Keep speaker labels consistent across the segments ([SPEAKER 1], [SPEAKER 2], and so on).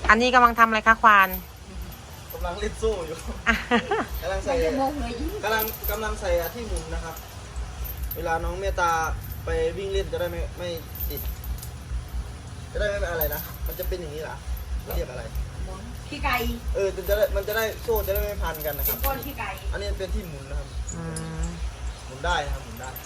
[SPEAKER 1] อันนี้กำลังทำอะไรคะควาน
[SPEAKER 2] กำลังเล่นโซ่อยู่กำลังใส่กำลังใส่ที่หมุนนะครับเวลาน้องเมตตาไปวิ่งเล่นจะได้ไม่ติดจะได้ไม่เป็นอะไรนะมันจะเป็นอย่างนี้เหรอเรียกอะไร
[SPEAKER 3] ขี้ไก่
[SPEAKER 2] มันจะได้โซ่จะได้ไม่พันกันนะครับ
[SPEAKER 3] ก้อนขี้ไก่
[SPEAKER 2] อันนี้เป็นที่หมุนนะครับหมุนได้นะครับหมุนได้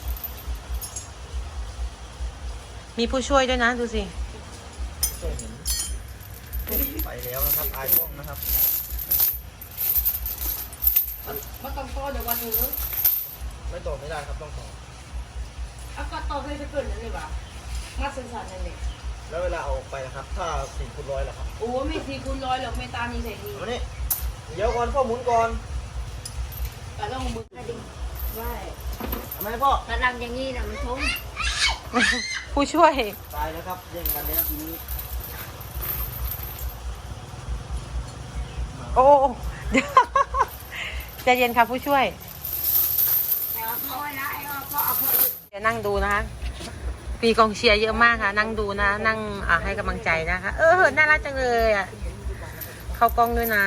[SPEAKER 1] มีผู้ช่วยด้วยนะดูสิ
[SPEAKER 2] ช่วยหมุนไปแล้วนะครับอายกล้องนะครับ
[SPEAKER 3] มันต้องต่อเดี๋ยววันนึง
[SPEAKER 2] ไม่ต่อไม่ได้ครับต้องต่อ
[SPEAKER 3] ก็ต่อให้จะเกิดนั่นเลยว่ะมาสื่อสารนั่นเลย
[SPEAKER 2] แล้วเวลาเอาออกไปนะครับถ้า4x100ล่ะครับ
[SPEAKER 3] โอ้ไม่4x100หรอกไม่ตามนี้ใส่ดี
[SPEAKER 2] วันนี้เดี๋ยวก่อนพ่อหมุนก่อน
[SPEAKER 3] แต่ต้องมือให้ดีว่า
[SPEAKER 2] ทำไมพ่อ
[SPEAKER 3] ระดับอย่างนี้นะมันชม
[SPEAKER 1] ผู้ช่วย
[SPEAKER 2] ตายแล้วครับแย่งกันแล้วทีนี้
[SPEAKER 1] โอ้ใจเย็นค่ะผู้ช่วยเดี๋ยวนั่งดูนะคะมีกองเชียร์เยอะมากค่ะนั่งดูนะนั่งให้กำลังใจนะคะน่ารักจังเลยอ่ะเข้ากล้องด้วยนะ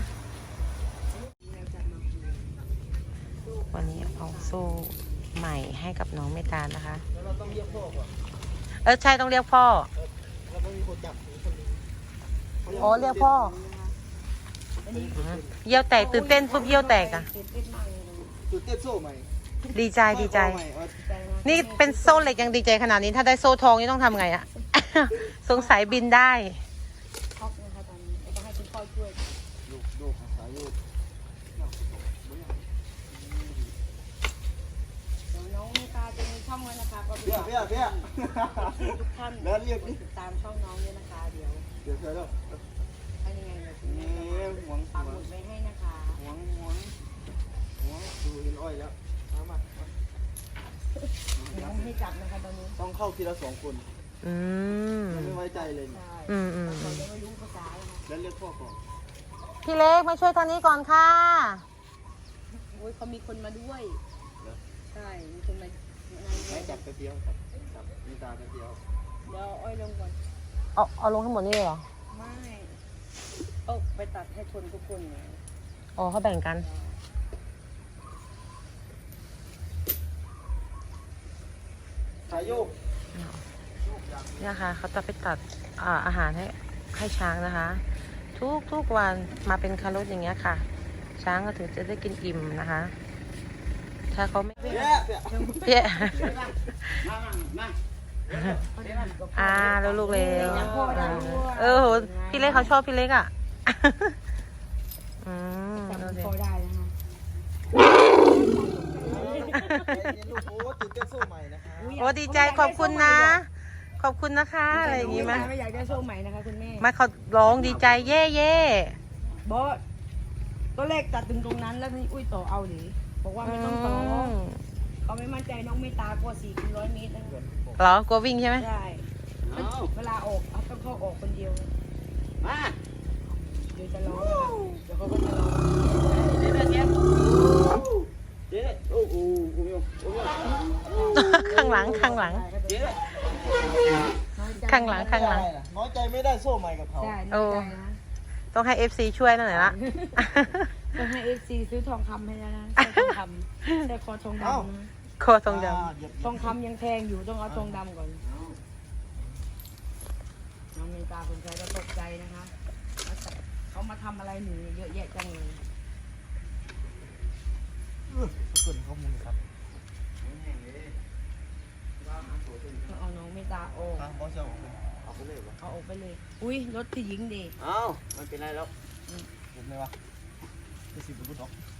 [SPEAKER 1] วันนี้เอาโซ่ใหม่ให้กับน้องเมตตานะคะ
[SPEAKER 2] เราต้องเรียกพ่อก่อน
[SPEAKER 1] ใช่ต้องเรียกพ่อ
[SPEAKER 2] เราต้องมีคนจับคนนึง
[SPEAKER 1] เรียกพ่อเยี่ยวแตกตื่นเต้นปุ๊บเยี่ยวแตกอ่ะ
[SPEAKER 2] ตื่นเต้นโซ่ใหม่
[SPEAKER 1] ดีใจนี่เป็นโซ่เหล็กยังดีใจขนาดนี้ถ้าได้โซ่ทองนี่ต้องทำไงอะ สงสัยบินได้
[SPEAKER 3] ช็อกนะคะตอนนี้ต้องให้คุณพ่อช่วย
[SPEAKER 2] ลูกสายลูก
[SPEAKER 3] น้องเมตตาจะมีช่องไว้นะคะก็
[SPEAKER 2] เพี้ย
[SPEAKER 3] ทุกท่าน
[SPEAKER 2] แล้วเรียก
[SPEAKER 3] ติดตามช่องน้องด้วยนะคะเดี๋ยว
[SPEAKER 2] เคยแล้ว
[SPEAKER 3] ให้ยังไง
[SPEAKER 2] หวง
[SPEAKER 3] ปักหมุดไว้ให้นะคะ
[SPEAKER 2] หวงดูเห็นอ้อยแล้วมา
[SPEAKER 3] ต้องให้จับนะคะตอนนี้
[SPEAKER 2] ต้องเข้าทีละ2 คนไม่ไว้ใจเลย
[SPEAKER 3] เราจะไม่รู้ภาษา
[SPEAKER 2] แล้วเรียกพ่อก่อน
[SPEAKER 1] พี่เล็กมาช่วยทางนี้ก่อนค่ะ
[SPEAKER 3] โอ้ยเขามีคนมาด้วยใช่มีคนมา
[SPEAKER 2] ไม่จับไปเดียวจับมีตาไปเดียว
[SPEAKER 3] เดี๋ยวอ้อยลงก่อน
[SPEAKER 1] เอาลงทั้งหมดนี่เลยเหรอ
[SPEAKER 3] ไม่ไปตัดให้ชนทุกคนเลย
[SPEAKER 1] เขาแบ่งกัน
[SPEAKER 2] สายโยก
[SPEAKER 1] เนี่ยค่ะเขาจะไปตัดอาหารให้ช้างนะคะทุกวันมาเป็นคารถอย่างเงี้ยค่ะช้างก็ถึงจะได้กินอิ่มนะคะถ้าเขาไม่เปี้ยแล้วลูกเร็วโหพี่เล็กเขาชอบพี่เล็กอ่ะ
[SPEAKER 3] พอได้นะคะ
[SPEAKER 1] ดีใจขอบคุณนะขอบคุณนะคะอะไรอย่างงี้ไหม
[SPEAKER 3] ไม่อยากได้โซ่ใหม่นะคะคุณแม่
[SPEAKER 1] มาเขาร้องดีใจเย่
[SPEAKER 3] บอสก็เลขตัดถึงตรงนั้นแล้วนี่อุ้ยต่อเอาหรือบอกว่าไม่ต้องต่อเขาไม่มั่นใจน้องไม่ตากว่า400 เมตรนะ
[SPEAKER 1] เหรอกลัววิ่งใช่ไหม
[SPEAKER 3] ใช่เวลาออกต้องเข้าออกคนเดียวมาเดี๋ยวจะร้องเดี๋ยวเขาก็จะร้อง
[SPEAKER 1] ข้างหลัง
[SPEAKER 2] น้อยใจไม่ได้โซ่ใหม่กับเขา
[SPEAKER 1] ต้องให้ FC ช่วยหน่อยละ
[SPEAKER 3] ต้องให้ FC ซื้อทองคำให้แล้วนะทองคำแต่คอทองดำ
[SPEAKER 1] คอทองด
[SPEAKER 3] ำทองคำยังแพงอยู่ต้องเอาทองดำก่อนน้องมีตาคนใจก็ตกใจนะคะเขามาทำอะไรหนูเยอะแยะจังเลย
[SPEAKER 2] เกินข้อมูลครับ
[SPEAKER 3] เอาน้องไม่ตาโอ้
[SPEAKER 2] เอาไปเลย
[SPEAKER 3] เอาออกไปเลยอุ้ยรถที่หญิงดี
[SPEAKER 2] ไม่เป็นไรแล้วเห็นไหมวะจะสิบบุตร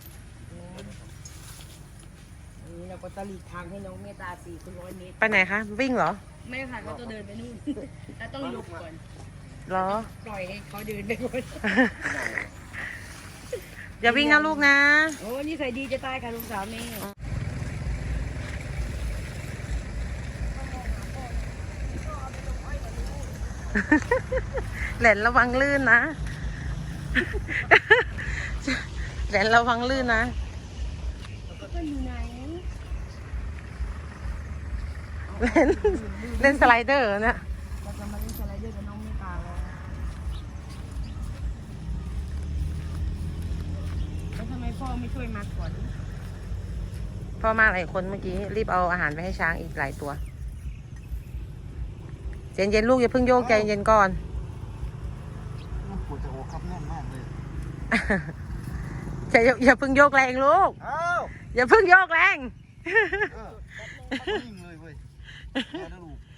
[SPEAKER 3] นี่เราก็จะหลีกทางให้น้องเมตตา400 เมตร
[SPEAKER 1] ไปไหนคะวิ่งเหรอ
[SPEAKER 3] ไม่ค่ะเขาจะเดินไปนู่นแต่ต้องหยุดก่อน
[SPEAKER 1] เหรอ
[SPEAKER 3] ปล่อยให้เขาเดินไปก่อน
[SPEAKER 1] อย่าวิ่งนะลูกนะ
[SPEAKER 3] โอ้นี่ใส่ดีจะตายค่ะลูกสาวแม่
[SPEAKER 1] แหลนระวังลื่นนะแหลนระวังลื่นนะเล่นสไลเดอร์เนี่ย
[SPEAKER 3] เราจะมาเล่นสไลเดอร์กับน้องเมตตาแล้วพ่อไม่ช่วยมาก่อน
[SPEAKER 1] พ่อมาหลายคนเมื่อกี้รีบเอาอาหารไปให้ช้างอีกหลายตัวเย็นๆลูกอย่าเพิ่งโยกใจเย็นก่อน
[SPEAKER 2] มันปวดจะโอครับแน่นมากเลย
[SPEAKER 1] อย่าเพิ่งโยกแรงลูก
[SPEAKER 2] อ้าว
[SPEAKER 1] อย่าเพิ่งโยกแรง
[SPEAKER 2] นิ่งเลยเว้ยแม่นะลูก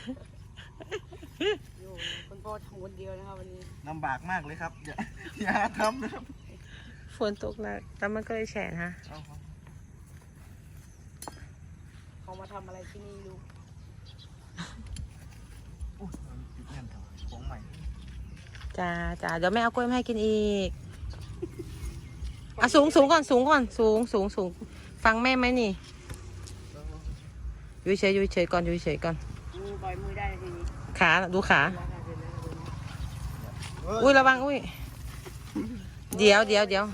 [SPEAKER 3] อยู่คุณพ่อทำคนเดียวนะครับวันนี้
[SPEAKER 2] ลำบากมากเลยครับ อย่าทำนะครับ
[SPEAKER 1] ฝนตกหนักแล้วมันก็เลยแฉะฮะ
[SPEAKER 2] เอาครับ
[SPEAKER 3] เขามาทำอะไรที่นี่ลูก
[SPEAKER 2] อุ๊ยมันติดแน่นเถอะของใหม่
[SPEAKER 1] จ้าเดี๋ยวแม่เอากล้วยมาให้กินอีกอ่ะสูงก่อนสูงฟังแม่ไหมนี่อยู่เฉยก่อนอยู่เฉยก่อน
[SPEAKER 3] ปล่อยมือได้ทีนี้
[SPEAKER 1] ขาดูขาอุ้ยระวังอุ้ยเดี๋ยว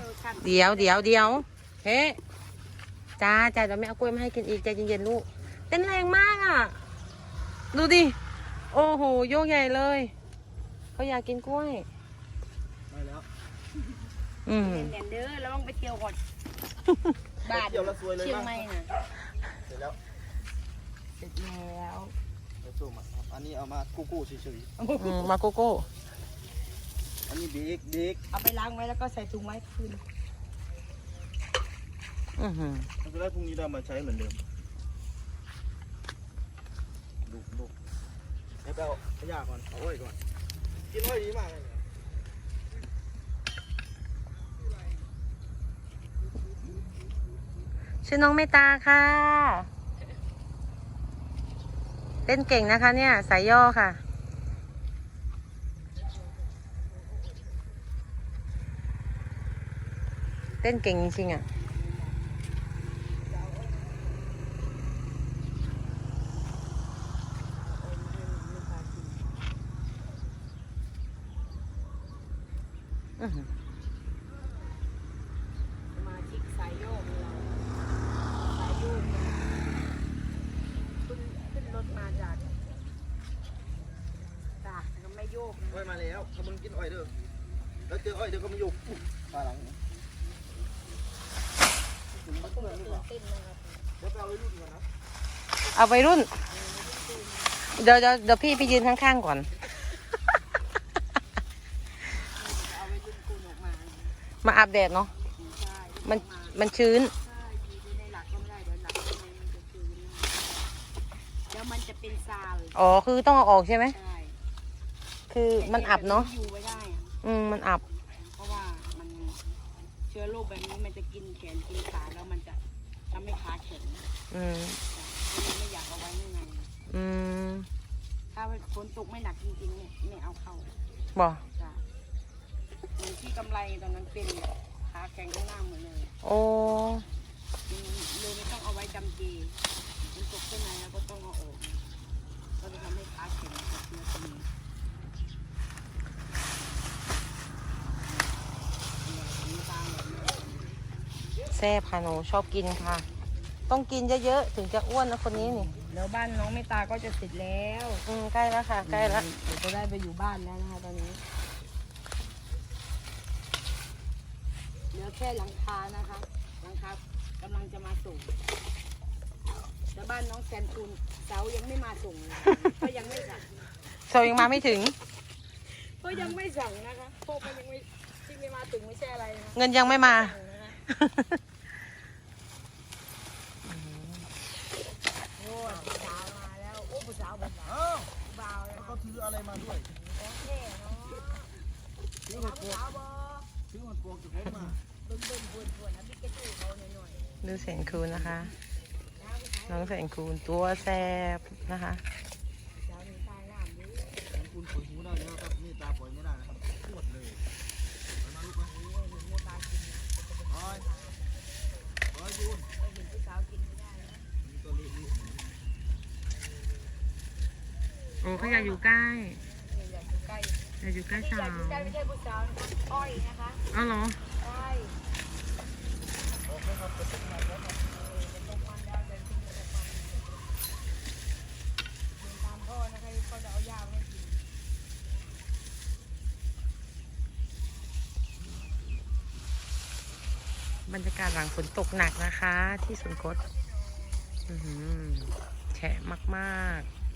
[SPEAKER 1] เฮ้จ้าเดี๋ยวแม่เอากล้วยมาให้กินอีกใจเย็นๆลูกเต้นแรงมากอ่ะดูดิโอ้โหโยกใหญ่เลยเขาอยากกินกล้วย
[SPEAKER 2] ได้แล้ว
[SPEAKER 3] เด่นเด้อแล้วต้องไปเที่ยวก่อนบาท
[SPEAKER 2] เดี๋ยวเราซวยเลย
[SPEAKER 3] เชียง
[SPEAKER 2] บ้าง
[SPEAKER 3] ใหม่น่ะ
[SPEAKER 2] เสร็จแล้ว
[SPEAKER 3] เสร็จแล้ว
[SPEAKER 2] เดี๋ยวสู้มาครับอันนี้เอามากู้เฉย
[SPEAKER 1] มาโกโก้
[SPEAKER 2] ๆอันนี้เด็ก
[SPEAKER 3] เอาไปล้างไว้แล้วก็ใส่ถุงไว้คืน
[SPEAKER 2] มันจะได้พรุ่งนี้เรามาใช้เหมือนเดิมลูกแล้วไปเอาขยะก่อนเอาอ้อยก่อนกินอ้อยดีมากเลย
[SPEAKER 1] ชื่อน้องเมตตาค่ะเต้นเก่งนะคะเนี่ยสายย่อค่ะเต้นเก่งจริงๆอ่ะ
[SPEAKER 3] สมาชิกสายโยกเราสายโยกขึ้นรถมาจากตากแต่ก็ไม่โยกนะ
[SPEAKER 2] อ้อยมาแล้วถ้ามึงกินอ้อยเด้อแล้วเจออ้อยเดี๋ยวก็มายุกปลาหลัง
[SPEAKER 3] เขาก็ตื่นเต้นนะครับ
[SPEAKER 2] เดี๋ยวไปเอาไว้รุ่นก่อนนะ
[SPEAKER 1] เอาไปรุ่นเดี๋ยวพี่ไปยืนข้างๆก่อน
[SPEAKER 3] เอาไว้รุ่นกูออกมา
[SPEAKER 1] มาอาบแดดเนาะ
[SPEAKER 3] ใช่
[SPEAKER 1] มันชื้น
[SPEAKER 3] ใช่อยู่ในหลักก็ไม่ได้เดี๋ยวหลักข้างในมันจะชื้นเดี๋ยวมันจะเป็นซาเลย
[SPEAKER 1] อ๋อคือต้องเอาออกใช่ไหม
[SPEAKER 3] ใช่
[SPEAKER 1] คือมันอับเนาะ
[SPEAKER 3] อยู่ไว้ได้อะ
[SPEAKER 1] มันอับ
[SPEAKER 3] เพราะว่ามันเชื้อโรคแบบนี้มันจะกินแขนกินขาแล้วมันจะทำให้ขาแข็ง
[SPEAKER 1] อืม
[SPEAKER 3] ก็เลยไม่อยากเอาไว้ข้างใน
[SPEAKER 1] อืม
[SPEAKER 3] ถ้าฝนตกไม่หนักจริงๆเนี่ยไม่เอาเข้า
[SPEAKER 1] บอก
[SPEAKER 3] จ้ะเหมือนที่กำไรตอนนั้นเป็นขาแข็งข้างหน้าหมดเลย
[SPEAKER 1] โอ้
[SPEAKER 3] เลยไม่ต้องเอาไว้จำเจฝนตกข้างในแล้วก็ต้องเอาออกก็จะทำให้ขาแข็งกับเนื้อตัวนี้เนี่ยตามแบบนี้
[SPEAKER 1] แซ่บค่ะหนูชอบกินค่ะ ต้องกินเยอะๆถึงจะอ้วนนะคนนี้นี่
[SPEAKER 3] แล้วบ้านน้องเมตตาก็จะเสร็จแล้ว
[SPEAKER 1] ใกล้แล้วค่ะใกล้แล้ว
[SPEAKER 3] เดี๋ยวจะได้ไปอยู่บ้านแล้วนะคะตอนนี้เหลือแค่หลังคานะคะ หลังคากำลังจะมาส่งแต่บ้านน้องแซนคูนเสายังไม่มาส่งเลยก็ยังไม่สั่ง
[SPEAKER 1] โซยังมาไม่ถึง
[SPEAKER 3] ก็ยังไม่สั่งนะคะพวกมันยังไม่ที่ไม่มาถึงไม่ใช่อะไรนะ
[SPEAKER 1] เงินยังไม่มา
[SPEAKER 3] สั่งนะคะโอ้ยผู้สาวมาแล้วโอ้ผู้สาวบ่าว
[SPEAKER 2] อ้าว
[SPEAKER 3] บ่าวแล้ว
[SPEAKER 2] เขาถืออะไรมาด้วย
[SPEAKER 3] ของแท้เนาะ
[SPEAKER 2] ถือหัวโป
[SPEAKER 3] ผู้
[SPEAKER 2] ก
[SPEAKER 3] สาวบ่
[SPEAKER 2] ถือหัวโปกจากผมมา
[SPEAKER 3] เบิ่งๆปวดๆนะพี่กระจูเขาหน่อย
[SPEAKER 1] ดูแสนคูณนะคะ
[SPEAKER 3] ๆนะผู้ชาย
[SPEAKER 1] น้องแสนคูณตัวแซ่บนะคะ
[SPEAKER 3] สาวนี่ตายน้ำนี้
[SPEAKER 2] ของคุณปล่อยหูได้แล้วครับนี่ตาปล่อยไม่ได้นะครับปวดเลยเอามาลูกมา
[SPEAKER 3] เห็นเมียตากินนะ
[SPEAKER 2] อ้อยอ้อยยูน
[SPEAKER 3] เห็นผู้สาวกินไม่ได้นะ
[SPEAKER 2] นี่ตัวนี้
[SPEAKER 1] โอ้เขาอยากอยู่ใกล้
[SPEAKER 3] อยากอยู่ใกล้
[SPEAKER 1] อยากอยู่ใกล้
[SPEAKER 3] ที่
[SPEAKER 1] สา
[SPEAKER 3] อยาก
[SPEAKER 1] ว
[SPEAKER 3] อยู่ใกล้ไม่ใช่ผู้สาวนะคะอ้อยนะคะ
[SPEAKER 1] อ้าวเหรอ
[SPEAKER 3] ใช่เป็นตรงวันแล้วเดินขึ้นมาตรงวันเดินตามพ่อนะคะพ่อจะเอายาให้กิน
[SPEAKER 1] บรรยากาศหลังฝนตกหนักนะคะ ที่สวนคตแฉะมากๆ